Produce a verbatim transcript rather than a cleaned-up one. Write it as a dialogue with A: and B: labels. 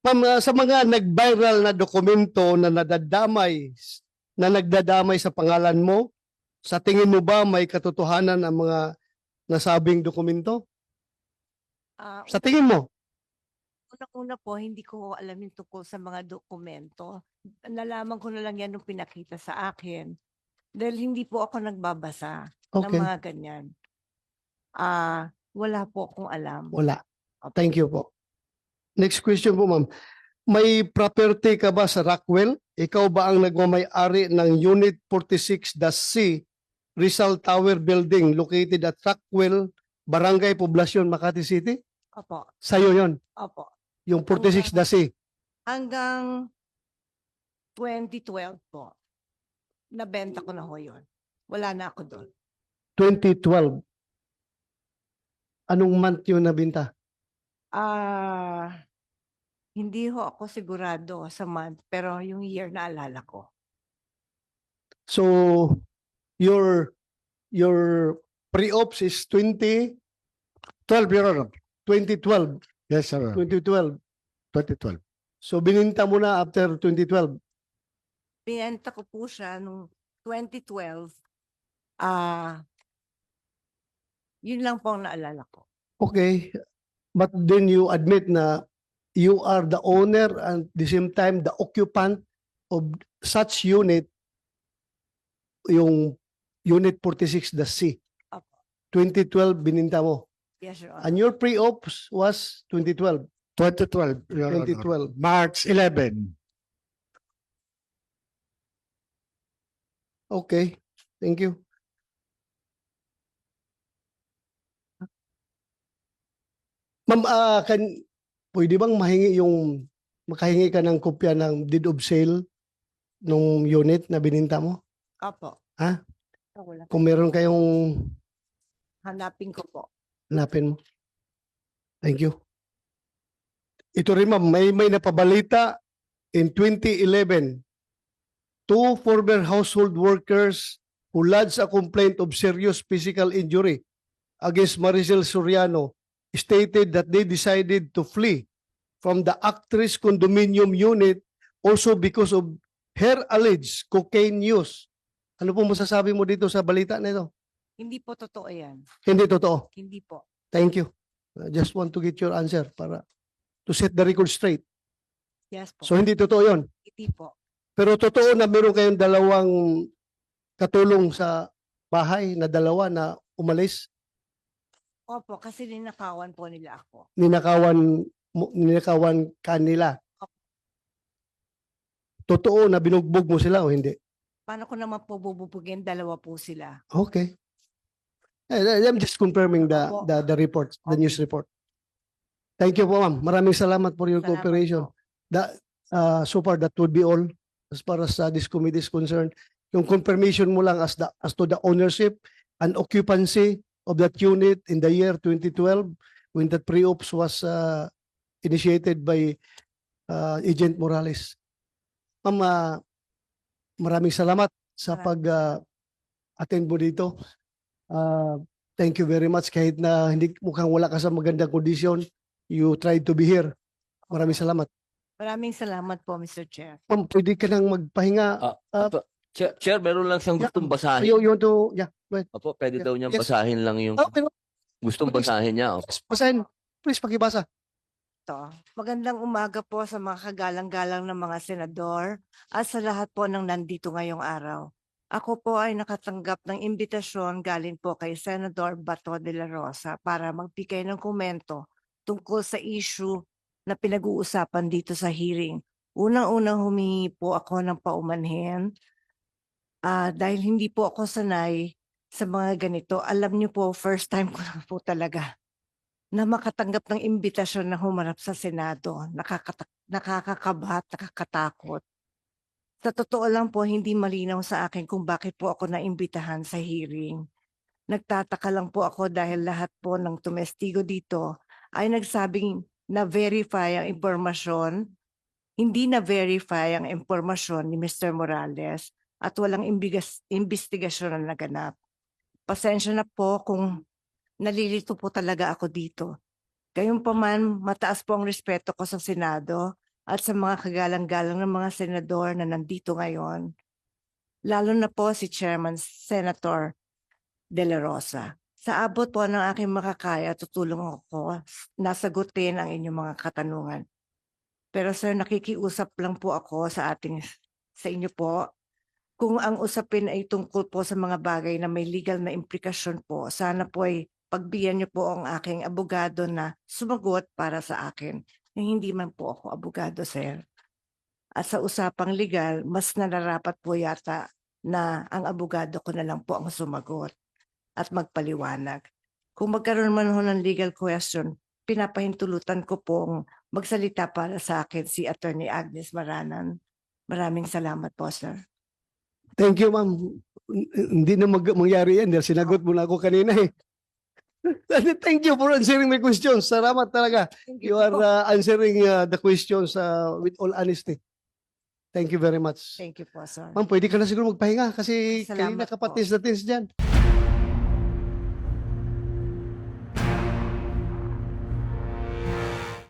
A: Ma'am, ah, sa mga nag-viral na dokumento na nadadamay, na nagdadamay sa pangalan mo, sa tingin mo ba may katotohanan ang mga nasabing dokumento?
B: Ah,
A: Sa tingin mo?
B: unang-una po, hindi ko alam yung tungkol sa mga dokumento. Nalaman ko na lang yan nung pinakita sa akin. Dahil hindi po ako nagbabasa ng
A: Okay,
B: mga ganyan. Ah, wala po akong alam.
A: wala.
B: Opo.
A: Thank you po. Next question po, ma'am. May property ka ba sa Rockwell? Ikaw ba ang nagmamay-ari ng Unit forty-six C Rizal Tower Building located at Rockwell, Barangay Poblacion, Makati City?
B: Opo.
A: Sa'yo yon,
B: Opo.
A: yung forty-six C.
B: Hanggang twenty twelve po, nabenta ko na ho yun. Wala na ako doon.
A: twenty twelve. Anong month yun nabinta?
B: Ah, hindi ho ako sigurado sa month, pero yung year na alala ko.
A: So, your your pre-ops is twenty twelve, Your Honor. twenty twelve.
C: Yes, sir.
A: twenty twelve.
C: twenty twelve.
A: So, bininta mo na after twenty twelve.
B: Binenta ko po siya nung twenty twelve. Ah, yun lang po ang naalala ko.
A: Okay. But then you admit na you are the owner and at the same time the occupant of such unit, yung Unit forty-six C.
B: Opo.
A: twenty twelve bininta mo.
B: Yes, Your Honor.
A: And your pre-ops was twenty twelve.
C: twenty twelve. Your Honor.
A: twenty twelve.
C: March eleventh.
A: Okay. Thank you. Ma'am, ah, kan, pwede bang mahingi yung, makahingi ka ng kopya ng deed of sale nung unit na bininta mo?
B: Opo.
A: Ha?
B: Ah, wala.
A: Kung meron kayong
B: Hanapin ko po.
A: hanapin mo. Thank you. Ito rin ma'am, may, may napabalita in twenty eleven. Two former household workers who lodged a complaint of serious physical injury against Maricel Soriano stated that they decided to flee from the actress condominium unit also because of her alleged cocaine use. Ano po masasabi mo dito sa balita na ito?
B: Hindi po totoo yan.
A: Hindi totoo.
B: Hindi po.
A: Thank you. I just want to get your answer para to set the record straight.
B: Yes po.
A: So hindi totoo yon.
B: Hindi po.
A: Pero totoo na meron kayong dalawang katulong sa bahay na dalawa na umalis,
B: Opo, kasi ninakawan po nila ako.
A: ninakawan, mo- ninakawan kanila. Totoo na binugbog mo sila o hindi?
B: Paano ko naman po bububugin? Dalawa po sila.
A: Okay. Eh, I'm just confirming the,
B: Opo.
A: the, the report, the
B: Okay.
A: news report. Thank you po ma'am. Maraming salamat for your
B: Salamat
A: cooperation.
B: po.
A: That, uh, so far, that would be all as far as uh, this committee is concerned. Yung confirmation mo lang as, the, as to the ownership and occupancy of that unit in the year twenty twelve when that pre-ops was uh, initiated by uh, Agent Morales. Ma'am, uh, maraming salamat sa
B: Maraming
A: pag uh, attend mo dito. Uh, thank you very much kahit na hindi mukhang wala ka sa magandang kondisyon. You tried to be here. Maraming salamat.
B: Maraming salamat po, Mister Chair.
A: Ma'am, pwede ka nang magpahinga.
D: Ah,
A: Ah,
D: Apo, Chair, Chair, meron lang siyang
A: Yeah.
D: gustong basahin.
A: You, you want to, yeah. Go ahead.
D: Opo, pwede
A: Yeah.
D: daw niyang
A: Yes.
D: basahin lang yung
A: Okay,
D: gustong
A: Please.
D: basahin niya. Opo.
A: basahin. Please, pakibasa.
B: To. Magandang umaga po sa mga kagalang-galang ng mga senador at sa lahat po ng nandito ngayong araw. Ako po ay nakatanggap ng imbitasyon galing po kay Senador Bato de la Rosa para magbigay ng komento tungkol sa issue na pinag-uusapan dito sa hearing. Unang-unang humingi po ako ng paumanhin ah, dahil hindi po ako sanay sa mga ganito. Alam niyo po, first time ko lang po talaga na makatanggap ng imbitasyon na humarap sa Senado. Nakakata- nakakakabahat, nakakatakot. Sa totoo lang po, hindi malinaw sa akin kung bakit po ako naimbitahan sa hearing. Nagtataka lang po ako dahil lahat po ng tumestigo dito ay nagsabing na-verify ang impormasyon, hindi na-verify ang impormasyon ni Mister Morales at walang imbigas- imbestigasyon na naganap. Pasensya na po kung nalilito po talaga ako dito. Gayunpaman, mataas po ang respeto ko sa Senado at sa mga kagalang-galang ng mga senador na nandito ngayon, lalo na po si Chairman Senator De La Rosa. Sa abot po ng aking makakaya, tutulong ako na sagutin ang inyong mga katanungan. Pero sir, nakikiusap lang po ako sa ating sa inyo po. Kung ang usapin ay tungkol po sa mga bagay na may legal na implikasyon po, sana po ay pagbigyan niyo po ang aking abogado na sumagot para sa akin. Na hindi man po ako abogado, sir. At sa usapang legal, mas nararapat po yata na ang abogado ko na lang po ang sumagot at magpaliwanag. Kung magkaroon man ho ng legal question, pinapahintulutan ko pong magsalita para sa akin si Attorney Agnes Maranan. Maraming salamat po, sir.
A: Thank you, ma'am. Hindi na mag mangyari yan dahil sinagot mo na ako kanina eh. Thank you for answering my questions. Salamat talaga.
B: Thank
A: You are uh, answering uh, the questions uh, with all honesty. Thank you very much.
B: Thank you po, sir.
A: Ma'am, pwede ka na siguro magpahinga kasi
B: Salamat
A: kanina
B: po.
A: kapatis na tins dyan.